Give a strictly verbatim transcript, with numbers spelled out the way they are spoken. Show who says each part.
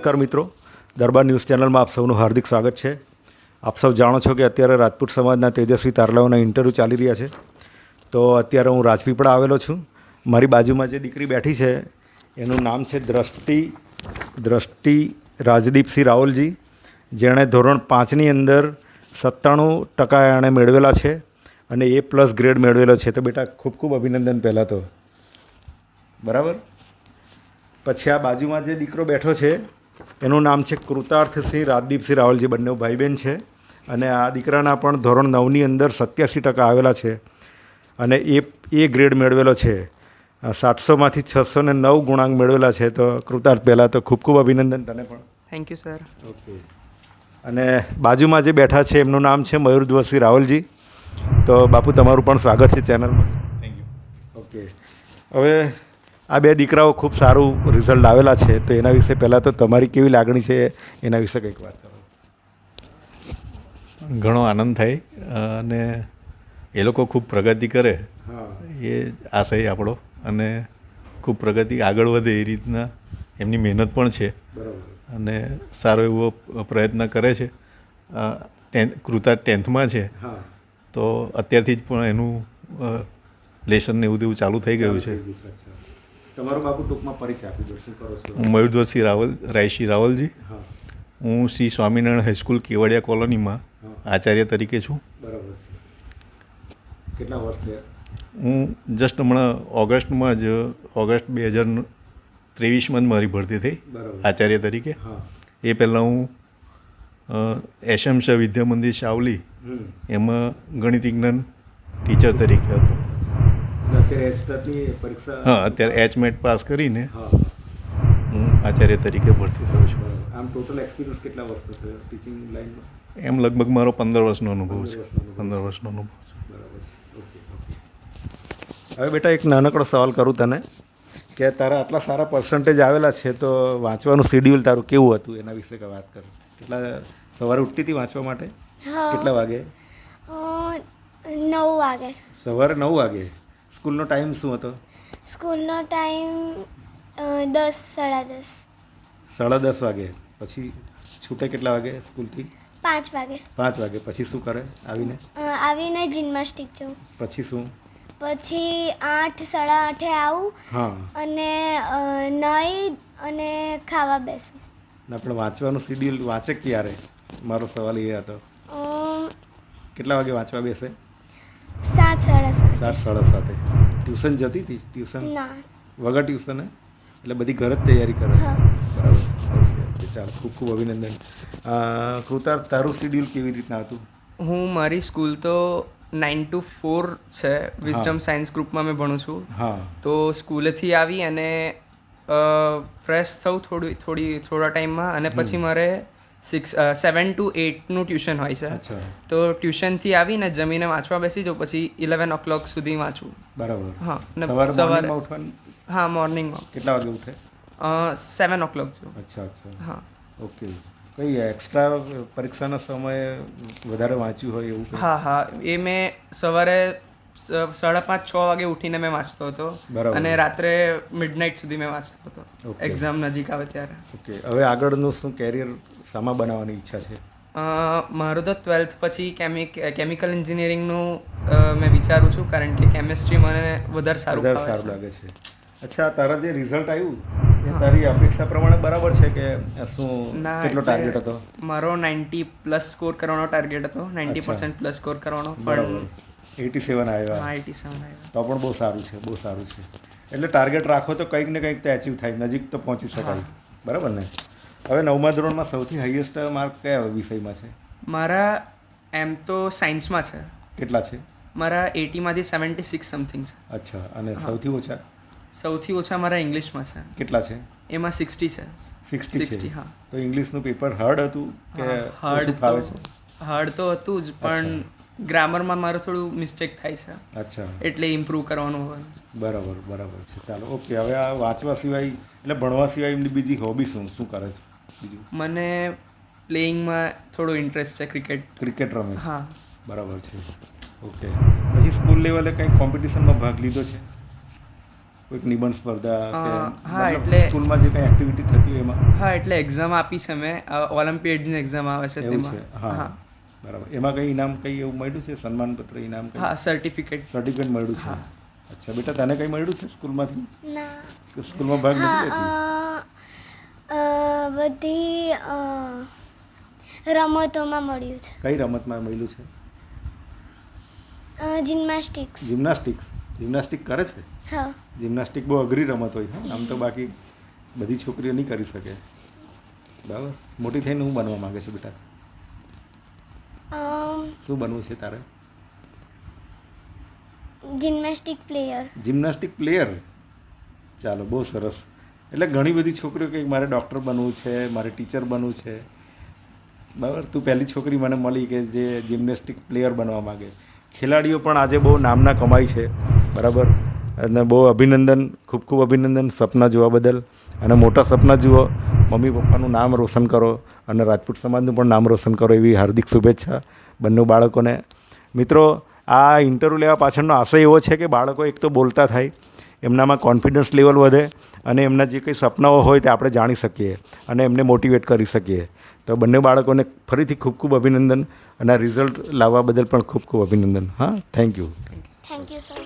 Speaker 1: નમસ્કાર મિત્રો, દરબાર ન્યૂઝ ચેનલમાં આપ સૌનું હાર્દિક સ્વાગત છે. આપ સૌ જાણો છો કે અત્યારે રાજપૂત સમાજના તેજસ્વી તારલાઓના ઇન્ટરવ્યૂ ચાલી રહ્યા છે. તો અત્યારે હું રાજપીપળા આવેલો છું. મારી બાજુમાં જે દીકરી બેઠી છે એનું નામ છે દ્રષ્ટિ દ્રષ્ટિ રાજદીપસિંહ રાવલજી, જેણે ધોરણ પાંચની અંદર સત્તાણું ટકા એણે મેળવેલા છે અને એ પ્લસ ગ્રેડ મેળવેલો છે. તો બેટા ખૂબ ખૂબ અભિનંદન પહેલાં તો. બરાબર. પછી આ બાજુમાં જે દીકરો બેઠો છે એનું નામ છે કૃતાર્થસિંહ રાજદીપસિંહ રાવલજી. બંને ભાઈ બહેન છે અને આ દીકરાના પણ ધોરણ નવની અંદર સત્યાસી ટકા આવેલા છે અને એ એ ગ્રેડ મેળવેલો છે. સાતસોમાંથી છસો ને નવ ગુણાંક મેળવેલા છે. તો કૃતાર્થ પહેલાં તો ખૂબ ખૂબ અભિનંદન તને પણ.
Speaker 2: Thank you sir.
Speaker 1: ઓકે. અને બાજુમાં જે બેઠા છે એમનું નામ છે મયુરધ્વજસિંહ રાવલજી. તો બાપુ તમારું પણ સ્વાગત છે ચેનલમાં.
Speaker 3: Thank you.
Speaker 1: ઓકે. હવે આ બે દીકરાઓ ખૂબ સારું રિઝલ્ટ આવેલા છે, તો એના વિશે પહેલાં તો તમારી કેવી લાગણી છે એના વિશે કંઈક વાત કરો.
Speaker 3: ઘણો આનંદ થાય અને એ લોકો ખૂબ પ્રગતિ કરે એ આશય આપણો, અને ખૂબ પ્રગતિ આગળ વધે એ રીતના એમની મહેનત પણ છે અને સારો એવો પ્રયત્ન કરે છે. ટેન્થ કૃતા ટેન્થમાં છે તો અત્યારથી જ પણ એનું લેસન ને એવું તેવું ચાલુ થઈ ગયું છે.
Speaker 1: તમારો બાપુ ટૂંકમાં પરિચય આપી દો, શું કરો છો?
Speaker 3: હું મયુરધ્વજસિંહ રાવલ રાયસિંહ રાવલજી.
Speaker 1: હા.
Speaker 3: હું શ્રી સ્વામિનારાયણ હાઈસ્કૂલ કેવડિયા કોલોનીમાં આચાર્ય તરીકે છું.
Speaker 1: બરાબર છે. કેટલા વર્ષ થયા?
Speaker 3: હું જસ્ટ હમણાં ઓગસ્ટમાં જ ઓગસ્ટ બે હજાર ત્રેવીસમાં જ મારી ભરતી થઈ આચાર્ય તરીકે.
Speaker 1: હા.
Speaker 3: એ પહેલાં હું એસએમસ વિદ્યા મંદિર સાવલી એમાં ગણિત વિજ્ઞાન ટીચર તરીકે હતો.
Speaker 1: અત્યારે એચટેટની પરીક્ષા?
Speaker 3: હા, અત્યારે એચમેટ પાસ કરીને
Speaker 1: હા
Speaker 3: હું આચાર્ય તરીકે ભરતી થયો છું.
Speaker 1: આમ ટોટલ એક્સપિરિયન્સ કેટલા વર્ષનો થયો ટીચિંગ લાઈનમાં?
Speaker 3: એમ લગભગ મારો પંદર વર્ષનો અનુભવ છે. પંદર વર્ષનો અનુભવ છે.
Speaker 1: બરાબર છે. Okay okay. હવે બેટા એક નાનકડો સવાલ કરું તને કે તારા આટલા સારા પર્સન્ટેજ આવેલા છે, તો વાંચવાનું શેડ્યુલ તારું કેવું હતું એના વિશે કે વાત કર. કેટલા સવારે ઉઠતી હતી વાંચવા માટે? કેટલા વાગે?
Speaker 4: નવ વાગે.
Speaker 1: સવારે નવ વાગે. સ્કૂલનો ટાઈમ શું હતો?
Speaker 4: સ્કૂલનો ટાઈમ દસ સાડા દસ.
Speaker 1: સાડા દસ વાગે. પછી છૂટે કેટલા વાગે સ્કૂલથી?
Speaker 4: પાંચ વાગે.
Speaker 1: પાંચ વાગે. પછી શું કરે આવીને?
Speaker 4: આવીને જિમ્નાસ્ટિક જાઉં.
Speaker 1: પછી શું?
Speaker 4: પછી આઠ સાડા આઠે આવું
Speaker 1: હા.
Speaker 4: અને નાહી અને ખાવા બેસું.
Speaker 1: ના, પણ વાંચવાનું શેડ્યુલ વાંચે ક્યારે? મારો સવાલ એ હતો. કેટલા વાગે વાંચવા બેસે?
Speaker 4: સાત સાડા સાત.
Speaker 1: સાત સાડા સાતે. ટ્યુશન જતી હતી? ટ્યુશન
Speaker 4: ના.
Speaker 1: વગર ટ્યુશન? એટલે બધી ઘર જ તૈયારી કરે?
Speaker 4: હા.
Speaker 1: બરાબર. ઓકે. ચાલો, ખૂબ ખૂબ અભિનંદન. કૃતાર્થ, તારું શેડ્યુલ કેવી રીતના હતું?
Speaker 2: હું મારી સ્કૂલ તો નાઇન ટુ ફોર છે. વિઝડમ સાયન્સ ગ્રુપમાં મેં ભણું છું.
Speaker 1: હા.
Speaker 2: તો સ્કૂલેથી આવી અને ફ્રેશ થઉં થોડી થોડી થોડા ટાઈમમાં, અને પછી મારે સિક્સ સેવન ટુ એટનું ટ્યુશન હોય છે.
Speaker 1: અચ્છા.
Speaker 2: તો ટ્યુશનથી આવીને જમીને વાંચવા બેસી જાઉં, પછી ઇલેવન ઓ ક્લોક સુધી વાંચું.
Speaker 1: બરાબર.
Speaker 2: હા. અને
Speaker 1: સવારે
Speaker 2: સવારે
Speaker 1: મોર્નિંગમાં ઉઠવાનું?
Speaker 2: હા, મોર્નિંગમાં
Speaker 1: કેટલા વાગે ઉઠે?
Speaker 2: સેવન ઓ ક્લોક જેવું.
Speaker 1: અચ્છા અચ્છા.
Speaker 2: હા.
Speaker 1: ઓકે. કઈ એક્સ્ટ્રા પરીક્ષાના સમયે વધારે વાંચ્યું હોય એવું કંઈ?
Speaker 2: હા હા એ મેં સવારે સાડા પાંચ છ વાગે ઉઠીને મેં વાંચતો હતો.
Speaker 1: બરાબર.
Speaker 2: અને રાત્રે મિડનાઇટ સુધી મેં વાંચતો હતો.
Speaker 1: Okay.
Speaker 2: એક્ઝામ નજીક આવે ત્યારે.
Speaker 1: ઓકે. હવે આગળનું શું કેરિયર શામાં બનાવવાની ઈચ્છા છે?
Speaker 2: અ, મારું તો ટ્વેલ્થ પછી કેમિક કેમિકલ એન્જિનિયરિંગનું મેં વિચારું છું, કારણ કે કેમિસ્ટ્રી મને વધારે સારું
Speaker 1: વધારે
Speaker 2: ફાવે
Speaker 1: સારું
Speaker 2: છે.
Speaker 1: લાગે છે. અચ્છા, તારા જે રિઝલ્ટ આવ્યું એ તારી અપેક્ષા પ્રમાણે બરાબર છે કે શું?
Speaker 2: ના,
Speaker 1: કેટલો
Speaker 2: એટલે
Speaker 1: ટાર્ગેટ હતો?
Speaker 2: મારો નાઇન્ટી પ્લસ સ્કોર કરવાનો ટાર્ગેટ હતો. નાઇન્ટી
Speaker 1: અચ્છા.
Speaker 2: પર્સન્ટ પ્લસ સ્કોર કરવાનો.
Speaker 1: બરાબર.
Speaker 2: પણ
Speaker 1: એટી સેવન આવ્યા.
Speaker 2: હા, એટી સેવન આવ્યા.
Speaker 1: તો પણ બહુ સારું છે, બહુ સારું છે. એટલે ટાર્ગેટ રાખો તો કંઈક ને કંઈક તો એચીવ થાય, નજીક તો પહોંચી શકાય. બરાબર ને? હવે નવમા ધોરણમાં સૌથી હાઈએસ્ટ માર્ક કયા વિષયમાં છે?
Speaker 2: મારા એમ તો સાયન્સમાં છે.
Speaker 1: કેટલા છે?
Speaker 2: મારા એટીમાંથી સેવન્ટી સિક્સ સમથિંગ છે.
Speaker 1: અચ્છા. અને સૌથી ઓછા?
Speaker 2: સૌથી ઓછા મારા ઇંગ્લિશમાં છે.
Speaker 1: કેટલા છે?
Speaker 2: એમાં સિક્સટી છે.
Speaker 1: Sixty
Speaker 2: sixty.
Speaker 1: છે.
Speaker 2: હા.
Speaker 1: તો ઇંગ્લિશનું પેપર હાર્ડ હતું કે
Speaker 2: હાર્ડ
Speaker 1: ઓછું ફાવે છે?
Speaker 2: હાર્ડ તો હતું જ, પણ ગ્રામરમાં મારું થોડું મિસ્ટેક થાય છે,
Speaker 1: અચ્છા.
Speaker 2: એટલે ઇમ્પ્રૂવ કરવાનું હોય.
Speaker 1: બરાબર બરાબર છે. ચાલો, ઓકે. હવે આ વાંચવા સિવાય એટલે ભણવા સિવાય એમની બીજી હોબી શું શું કરે છે બીજું?
Speaker 2: મને પ્લેઇંગમાં થોડો ઇન્ટરેસ્ટ છે. ક્રિકેટ.
Speaker 1: ક્રિકેટ રમે છે?
Speaker 2: હા.
Speaker 1: બરાબર છે. ઓકે. પછી સ્કૂલ લેવલે કંઈક કોમ્પિટિશનમાં ભાગ લીધો છે? કોઈક નિબંધ સ્પર્ધા કે
Speaker 2: અ, હા,
Speaker 1: મતલબ
Speaker 2: એટલે-
Speaker 1: સ્કૂલમાં જે કંઈ એક્ટિવિટી થતી હોય એમાં
Speaker 2: હા એટલે એક્ઝામ આપી છે મેં ઓલિમ્પિયાડની એક્ઝામ આવે છે
Speaker 1: એવું છે
Speaker 2: તેમાં
Speaker 1: હા
Speaker 2: હા
Speaker 1: બરાબર એમાં કંઈ ઇનામ કંઈ એવું મળ્યું છે સન્માનપત્ર ઇનામ કંઈ
Speaker 2: હા સર્ટિફિકેટ
Speaker 1: સર્ટિફિકેટ મળ્યું છે અચ્છા બેટા તને કંઈ મળ્યું છે સ્કૂલમાંથી
Speaker 4: ના
Speaker 1: કે સ્કૂલમાં ભાગ
Speaker 4: હા
Speaker 1: નથી લેતી
Speaker 4: અ, અ, બધી અ, રમતોમાં મળ્યું છે
Speaker 1: કઈ રમતમાં મળ્યું છે
Speaker 4: જિમ્નાસ્ટિક્સ
Speaker 1: જિમ્નાસ્ટિક્સ જિમ્નાસ્ટિક કરે છે
Speaker 4: હા
Speaker 1: જિમ્નાસ્ટિક બહુ અઘરી રમત હોય હા આમ તો બાકી બધી છોકરીઓ નહીં કરી શકે બરાબર મોટી થઈને હું બનવા માંગે છે બેટા
Speaker 4: અમ,
Speaker 1: શું બનવું છે તારે
Speaker 4: જિમ્નાસ્ટિક પ્લેયર
Speaker 1: જિમ્નાસ્ટિક પ્લેયર ચાલો બહુ સરસ એટલે ઘણી બધી છોકરીઓ કે મારે ડૉક્ટર બનવું છે મારે ટીચર બનવું છે બરાબર તું પહેલી છોકરી મને મળી કે જે જિમ્નેસ્ટિક પ્લેયર બનવા માગે ખેલાડીઓ પણ આજે બહુ નામના કમાય છે બરાબર અને બહુ અભિનંદન ખૂબ ખૂબ અભિનંદન સપના જોવા બદલ અને મોટા સપના જુઓ મમ્મી પપ્પાનું નામ રોશન કરો અને રાજપૂત સમાજનું પણ નામ રોશન કરો એવી હાર્દિક શુભેચ્છા બંને બાળકોને મિત્રો આ ઇન્ટરવ્યૂ લેવા પાછળનો આશય એવો છે કે બાળકો એક તો બોલતા થાય એમનામાં કોન્ફિડન્સ લેવલ વધે અને એમના જે કંઈ સપનાઓ હોય તે આપણે જાણી શકીએ અને એમને મોટિવેટ કરી શકીએ તો બંને બાળકોને ફરીથી ખૂબ ખૂબ અભિનંદન અને આ રિઝલ્ટ લાવવા બદલ પણ ખૂબ ખૂબ અભિનંદન હા thank you
Speaker 4: thank you sir